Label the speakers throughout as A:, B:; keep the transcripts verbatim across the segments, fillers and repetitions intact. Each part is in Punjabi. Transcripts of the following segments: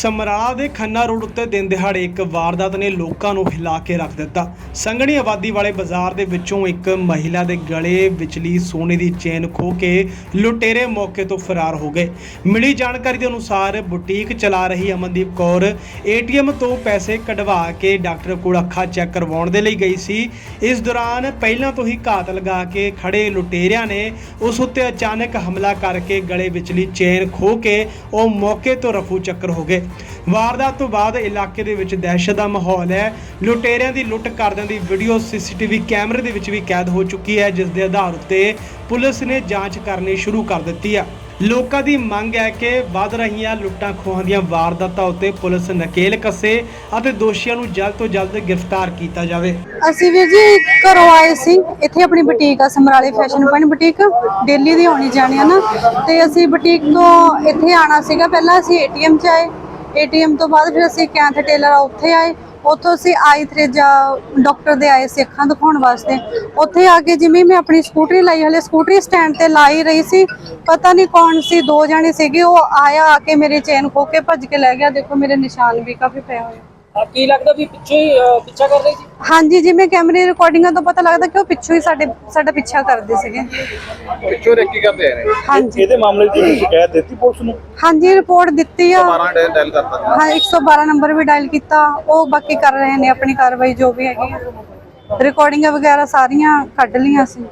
A: ਸਮਰਾਲਾ ਦੇ ਖੰਨਾ ਰੋਡ ਉੱਤੇ ਦਿਨ ਦਿਹਾੜੇ ਇੱਕ ਵਾਰਦਾਤ ਨੇ ਲੋਕਾਂ ਨੂੰ ਹਿਲਾ ਕੇ ਰੱਖ ਦਿੱਤਾ। ਸੰਘਣੀ ਆਬਾਦੀ ਵਾਲੇ ਬਾਜ਼ਾਰ ਦੇ ਵਿੱਚੋਂ ਇੱਕ ਮਹਿਲਾ ਦੇ ਗਲੇ ਵਿਚਲੀ ਸੋਨੇ ਦੀ ਚੇਨ ਖੋਹ ਕੇ ਲੁਟੇਰੇ ਮੌਕੇ ਤੋਂ ਫਰਾਰ ਹੋ ਗਏ। ਮਿਲੀ ਜਾਣਕਾਰੀ ਦੇ ਅਨੁਸਾਰ ਬੁਟੀਕ ਚਲਾ ਰਹੀ ਅਮਨਦੀਪ ਕੌਰ ਏਟੀਐਮ ਤੋਂ ਪੈਸੇ ਕਢਵਾ ਕੇ ਡਾਕਟਰ ਕੋਲ ਅੱਖਾਂ ਚੈੱਕ ਕਰਵਾਉਣ ਦੇ ਲਈ ਗਈ ਸੀ। ਇਸ ਦੌਰਾਨ ਪਹਿਲਾਂ ਤੋਂ ਹੀ ਘਾਤ ਲਗਾ ਕੇ ਖੜੇ ਲੁਟੇਰਿਆਂ ਨੇ ਉਸ ਉੱਤੇ ਅਚਾਨਕ ਹਮਲਾ ਕਰਕੇ ਗਲੇ ਵਿਚਲੀ ਚੇਨ ਖੋਹ ਕੇ ਉਹ ਮੌਕੇ ਤੋਂ ਰਫੂ ਚੱਕਰ ਹੋ ਗਏ। ਵਾਰਦਾਤ ਤੋਂ ਬਾਅਦ ਇਲਾਕੇ ਦੇ ਵਿੱਚ ਦਹਿਸ਼ਤ ਦਾ ਮਾਹੌਲ ਹੈ। ਲੁਟੇਰਿਆਂ ਦੀ ਲੁੱਟ ਕਰਦਿਆਂ ਦੀ ਵੀਡੀਓ ਸੀਸੀਟੀਵੀ ਕੈਮਰੇ ਦੇ ਵਿੱਚ ਵੀ ਕੈਦ ਹੋ ਚੁੱਕੀ ਹੈ, ਜਿਸ ਦੇ ਆਧਾਰ ਉੱਤੇ ਪੁਲਿਸ ਨੇ ਜਾਂਚ ਕਰਨੀ ਸ਼ੁਰੂ ਕਰ ਦਿੱਤੀ ਹੈ। ਲੋਕਾਂ ਦੀ ਮੰਗ ਹੈ ਕਿ ਵੱਧ ਰਹੀਆਂ ਲੁੱਟਾਂ ਖੋਹਾਂ ਦੀਆਂ ਵਾਰਦਾਤਾਂ ਉੱਤੇ ਪੁਲਿਸ ਨਕੇਲ ਕੱਸੇ ਅਤੇ ਦੋਸ਼ੀਆਂ ਨੂੰ ਜਲਦ ਤੋਂ ਜਲਦ ਗ੍ਰਿਫਤਾਰ ਕੀਤਾ ਜਾਵੇ।
B: ਅਸੀਂ ਵੀਰ ਜੀ ਘਰੋਂ ਆਏ ਸੀ, ਇੱਥੇ ਆਪਣੀ ਬੁਟੀਕ ਆ ਸਮਰਾਲੇ ਫੈਸ਼ਨ ਪੁਆਇੰਟ ਬੁਟੀਕ, ਦਿੱਲੀ ਦੀ ਆਉਣੀ ਜਾਣੀ ਆ ਨਾ, ਤੇ ਅਸੀਂ ਬੁਟੀਕ ਤੋਂ ਇੱਥੇ ਆਣਾ ਸੀਗਾ। ਪਹਿਲਾਂ ਅਸੀਂ ਏਟੀਐਮ 'ਚ ਆਏ, ਏਟੀਐਮ ਤੋਂ ਬਾਅਦ ਫਿਰ ਅਸੀਂ ਕੈਂਥ ਟੇਲਰ ਆ ਉੱਥੇ ਆਏ, ਉੱਥੋਂ ਅਸੀਂ ਆਈ ਥਰੇਜਾ ਡਾਕਟਰ ਦੇ ਆਏ ਸੀ ਅੱਖਾਂ ਦਿਖਾਉਣ ਵਾਸਤੇ। ਉੱਥੇ ਆ ਕੇ ਜਿਵੇਂ ਮੈਂ ਆਪਣੀ ਸਕੂਟਰੀ ਲਾਈ, ਹਲੇ ਸਕੂਟਰੀ ਸਟੈਂਡ ਤੇ ਲਾਈ ਰਹੀ ਸੀ, ਪਤਾ ਨਹੀਂ ਕੌਣ ਸੀ, ਦੋ ਜਾਣੇ ਸੀਗੇ, ਉਹ ਆਇਆ ਆ ਕੇ ਮੇਰੇ ਚੇਨ ਖੋ ਕੇ ਭੱਜ ਕੇ ਲੈ ਗਿਆ। ਦੇਖੋ ਮੇਰੇ ਨਿਸ਼ਾਨ ਵੀ ਕਾਫੀ ਪਏ ਹੋਏ।
C: ਆ ਕੀ ਲੱਗਦਾ ਵੀ ਪਿੱਛੇ ਹੀ ਪਿੱਛਾ ਕਰ ਰਹੀ ਸੀ?
B: ਹਾਂਜੀ, ਜਿਵੇਂ ਕੈਮਰੇ ਰਿਕਾਰਡਿੰਗਾਂ ਤੋਂ ਪਤਾ ਲੱਗਦਾ ਕਿ ਉਹ ਪਿੱਛੋਂ ਹੀ ਸਾਡੇ ਸਾਡਾ ਪਿੱਛਾ ਕਰਦੇ ਸੀਗੇ।
D: ਪਿੱਛੋਂ ਰੇਕੀ ਕਰਦੇ ਆ ਨੇ।
B: ਹਾਂਜੀ,
D: ਇਹਦੇ ਮਾਮਲੇ 'ਚ ਤੁਸੀਂ ਸ਼ਿਕਾਇਤ ਦਿੱਤੀ ਪੁਲਿਸ ਨੂੰ?
B: ਹਾਂਜੀ ਰਿਪੋਰਟ ਦਿੱਤੀ ਆ।
D: ਬਾਰਾਂ ਡਾਇਲ ਕਰਤਾ।
B: ਹਾਂ, ਇੱਕ ਸੌ ਬਾਰਾਂ ਨੰਬਰ ਵੀ ਡਾਇਲ ਕੀਤਾ। ਉਹ ਬਾਕੀ ਕਰ ਰਹੇ ਨੇ ਆਪਣੀ ਕਾਰਵਾਈ ਜੋ ਵੀ ਹੈਗੀ ਆ। ਰਿਕਾਰਡਿੰਗਾਂ ਵਗੈਰਾ ਸਾਰੀਆਂ ਕੱਢ ਲਈਆਂ ਸੀ।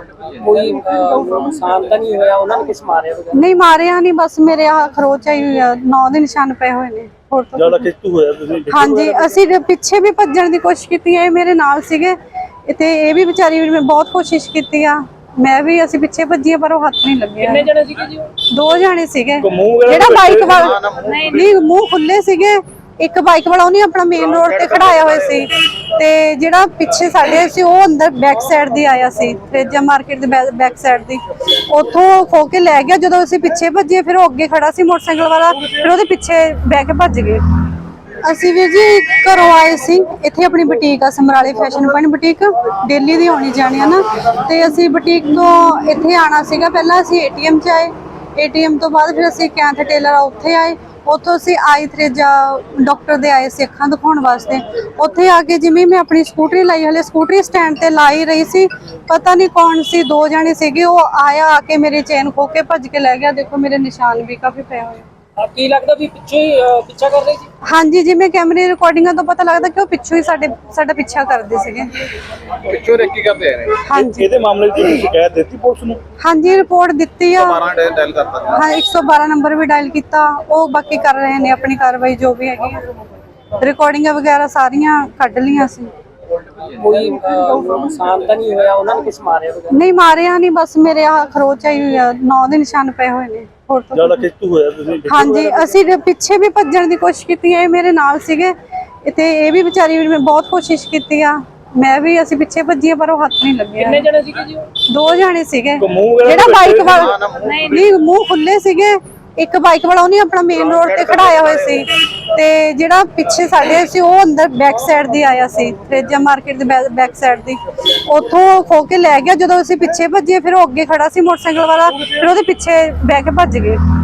C: ਕੋਈ ਨੁਕਸਾਨ ਤਾਂ ਨਹੀਂ ਹੋਇਆ? ਉਹਨਾਂ ਨੇ ਕਿਸ ਮਾਰਿਆ ਵਗੈਰਾ?
B: ਨਹੀਂ ਮਾਰਿਆ ਨਹੀਂ, ਬਸ ਮੇਰੇ ਆ ਖਰੋਚ ਆਈ ਹੋਈ ਆ, ਨੌ ਦੇ ਨਿਸ਼ਾਨ ਪਏ ਹੋਏ ਨੇ। ਹੋਰ ਤਾਂ
D: ਜਿਆਦਾ ਖਿੱਚੂ ਹੋਇਆ ਤੁਸੀਂ?
B: ਹਾਂਜੀ, ਅਸੀਂ ਪਿੱਛੇ ਵੀ ਭੱਜਣ ਦੀ ਕੋਸ਼ਿਸ਼ ਕੀਤੀ ਹੈ, ਇਹ ਮੇਰੇ ਨਾਲ ਸੀਗੇ ਤੇ ਇਹ ਵੀ ਵਿਚਾਰੀ ਵੀ, ਮੈਂ ਬਹੁਤ ਕੋਸ਼ਿਸ਼ ਕੀਤੀ ਆ, ਮੈਂ ਵੀ, ਅਸੀਂ ਪਿੱਛੇ ਭੱਜੀਏ ਪਰ ਉਹ ਹੱਥ ਨਹੀਂ ਲੱਗਿਆ।
C: ਕਿੰਨੇ ਜਣੇ ਸੀਗੇ ਜੀ?
B: ਦੋ ਜਾਣੇ ਸੀਗੇ।
D: ਜਿਹੜਾ
B: ਜਿਹੜਾ ਬਾਈਕ ਵਾਲਾ ਨਹੀਂ, ਮੂੰਹ ਖੁੱਲੇ ਸੀਗੇ। ਇੱਕ ਬਾਈਕ ਵਾਲਾ ਉਹਨੇ ਆਪਣਾ ਮੇਨ ਰੋਡ ਤੇ ਖੜਾਇਆ ਹੋਇਆ ਸੀ, ਤੇ ਜਿਹੜਾ ਪਿੱਛੇ ਸਾਡੇ ਸੀ ਉਹ ਅੰਦਰ ਬੈਕ ਸਾਈਡ ਦੀ ਆਇਆ ਸੀ, ਥਰੇਜਾ ਮਾਰਕੀਟ ਦੇ ਬੈਕ ਸਾਈਡ ਦੀ, ਉੱਥੋਂ ਖੋ ਕੇ ਲੈ ਗਿਆ। ਜਦੋਂ ਅਸੀਂ ਪਿੱਛੇ ਭੱਜੇ ਫਿਰ ਉਹ ਅੱਗੇ ਖੜਾ ਸੀ ਮੋਟਰਸਾਈਕਲ ਵਾਲਾ, ਫਿਰ ਉਹਦੇ ਪਿੱਛੇ ਬਹਿ ਕੇ ਭੱਜ ਗਏ। ਅਸੀਂ ਵੀਰ ਜੀ ਘਰੋਂ ਆਏ ਸੀ, ਇੱਥੇ ਆਪਣੀ ਬੁਟੀਕ ਆ ਸਮਰਾਲੇ ਫੈਸ਼ਨ ਪੁਆਇੰਟ ਬੁਟੀਕ, ਦਿੱਲੀ ਦੀ ਆਉਣੀ ਜਾਣੀ ਆ ਨਾ, ਤੇ ਅਸੀਂ ਬੁਟੀਕ ਤੋਂ ਇੱਥੇ ਆਣਾ ਸੀਗਾ। ਪਹਿਲਾਂ ਅਸੀਂ ਏਟੀਐਮ 'ਚ ਆਏ, ਏਟੀਐਮ ਤੋਂ ਬਾਅਦ ਫਿਰ ਅਸੀਂ ਕੈਂਥ ਟੇਲਰ ਆ ਉੱਥੇ ਆਏ, ਉੱਥੋਂ ਅਸੀਂ ਆਈ ਥਰੇਜਾ ਡਾਕਟਰ ਦੇ ਆਏ ਸੀ ਅੱਖਾਂ ਦਿਖਾਉਣ ਵਾਸਤੇ। ਉੱਥੇ ਆ ਕੇ ਜਿਵੇਂ ਮੈਂ ਆਪਣੀ ਸਕੂਟਰੀ ਲਾਈ, ਹਲੇ ਸਕੂਟਰੀ ਸਟੈਂਡ ਤੇ ਲਾਈ ਰਹੀ ਸੀ, ਪਤਾ ਨਹੀਂ ਕੌਣ ਸੀ, ਦੋ ਜਾਣੇ ਸੀਗੇ, ਉਹ ਆਇਆ ਆ ਕੇ ਮੇਰੇ ਚੇਨ ਖੋ ਕੇ ਭੱਜ ਕੇ ਲੈ ਗਿਆ। ਦੇਖੋ ਮੇਰੇ ਨਿਸ਼ਾਨ ਵੀ ਕਾਫੀ ਪਏ ਹੋਏ।
C: ਆ ਕੀ ਲੱਗਦਾ ਵੀ ਪਿੱਛੇ ਹੀ ਪਿੱਛਾ ਕਰ ਰਹੀ ਸੀ?
B: ਹਾਂਜੀ, ਜਿਵੇਂ ਕੈਮਰੇ ਰਿਕਾਰਡਿੰਗਾਂ ਤੋਂ ਪਤਾ ਲੱਗਦਾ ਕਿ ਉਹ ਪਿੱਛੋਂ ਹੀ ਸਾਡੇ ਸਾਡਾ ਪਿੱਛਾ ਕਰਦੇ ਸੀਗੇ।
D: ਪਿੱਛੋਂ ਰੇਕੀ ਕਰਦੇ ਆ ਨੇ।
B: ਹਾਂਜੀ,
D: ਇਹਦੇ ਮਾਮਲੇ 'ਚ ਤੁਸੀਂ ਸ਼ਿਕਾਇਤ ਦਿੱਤੀ ਪੁਲਿਸ ਨੂੰ?
B: ਹਾਂਜੀ ਰਿਪੋਰਟ ਦਿੱਤੀ ਆ।
D: ਬਾਰਾਂ ਡਾਇਲ ਕਰਤਾ।
B: ਹਾਂ, ਇੱਕ ਸੌ ਬਾਰਾਂ ਨੰਬਰ ਵੀ ਡਾਇਲ ਕੀਤਾ। ਉਹ ਬਾਕੀ ਕਰ ਰਹੇ ਨੇ ਆਪਣੀ ਕਾਰਵਾਈ ਜੋ ਵੀ ਹੈਗੀ ਆ। ਰਿਕਾਰਡਿੰਗਾਂ ਵਗੈਰਾ ਸਾਰੀਆਂ ਕੱਢ ਲਈਆਂ ਸੀ।
C: ਕੋਈ ਨੁਕਸਾਨ ਤਾਂ ਨਹੀਂ ਹੋਇਆ? ਉਹਨਾਂ ਨੇ ਕਿਸ ਮਾਰਿਆ ਵਗੈਰਾ?
B: ਨਹੀਂ ਮਾਰਿਆ ਨਹੀਂ, ਬਸ ਮੇਰੇ ਆ ਖਰੋਚ ਆਈ ਹੋਈ ਆ, ਨੌ ਦੇ ਨਿਸ਼ਾਨ ਪਏ ਹੋਏ ਨੇ। ਹੋਰ ਤਾਂ
D: ਜਿਆਦਾ ਖਿੱਚੂ ਹੋਇਆ ਤੁਸੀਂ?
B: ਹਾਂਜੀ, ਅਸੀਂ ਪਿੱਛੇ ਵੀ ਭੱਜਣ ਦੀ ਕੋਸ਼ਿਸ਼ ਕੀਤੀ ਹੈ, ਇਹ ਮੇਰੇ ਨਾਲ ਸੀਗੇ ਤੇ ਇਹ ਵੀ ਵਿਚਾਰੀ ਵੀ, ਮੈਂ ਬਹੁਤ ਕੋਸ਼ਿਸ਼ ਕੀਤੀ ਆ, ਮੈਂ ਵੀ, ਅਸੀਂ ਪਿੱਛੇ ਭੱਜੀਏ ਪਰ ਉਹ ਹੱਥ ਨਹੀਂ ਲੱਗਿਆ।
C: ਕਿੰਨੇ ਜਣੇ ਸੀਗੇ ਜੀ?
B: ਦੋ ਜਾਣੇ ਸੀਗੇ।
D: ਜਿਹੜਾ
B: ਬਾਈਕ ਵਾਲਾ ਨਹੀਂ, ਮੂੰਹ ਖੁੱਲੇ ਸੀਗੇ। ਇੱਕ ਬਾਈਕ ਵਾਲਾ ਉਹਨੇ ਆਪਣਾ ਮੇਨ ਰੋਡ ਤੇ ਖੜਾਇਆ ਹੋਇਆ ਸੀ, ਤੇ ਜਿਹੜਾ ਪਿੱਛੇ ਸਾਡੇ ਸੀ ਉਹ ਅੰਦਰ ਬੈਕ ਸਾਈਡ ਦੀ ਆਇਆ ਸੀ, ਥਰੇਜਾ ਮਾਰਕੀਟ ਦੇ ਬੈਕ ਸਾਈਡ ਦੀ, ਉੱਥੋਂ ਖੋ ਕੇ ਲੈ ਗਿਆ। ਜਦੋਂ ਅਸੀਂ ਪਿੱਛੇ ਭੱਜੇ ਫਿਰ ਉਹ ਅੱਗੇ ਖੜਾ ਸੀ ਮੋਟਰਸਾਈਕਲ ਵਾਲਾ, ਫਿਰ ਉਹਦੇ ਪਿੱਛੇ ਬਹਿ ਕੇ ਭੱਜ ਗਏ।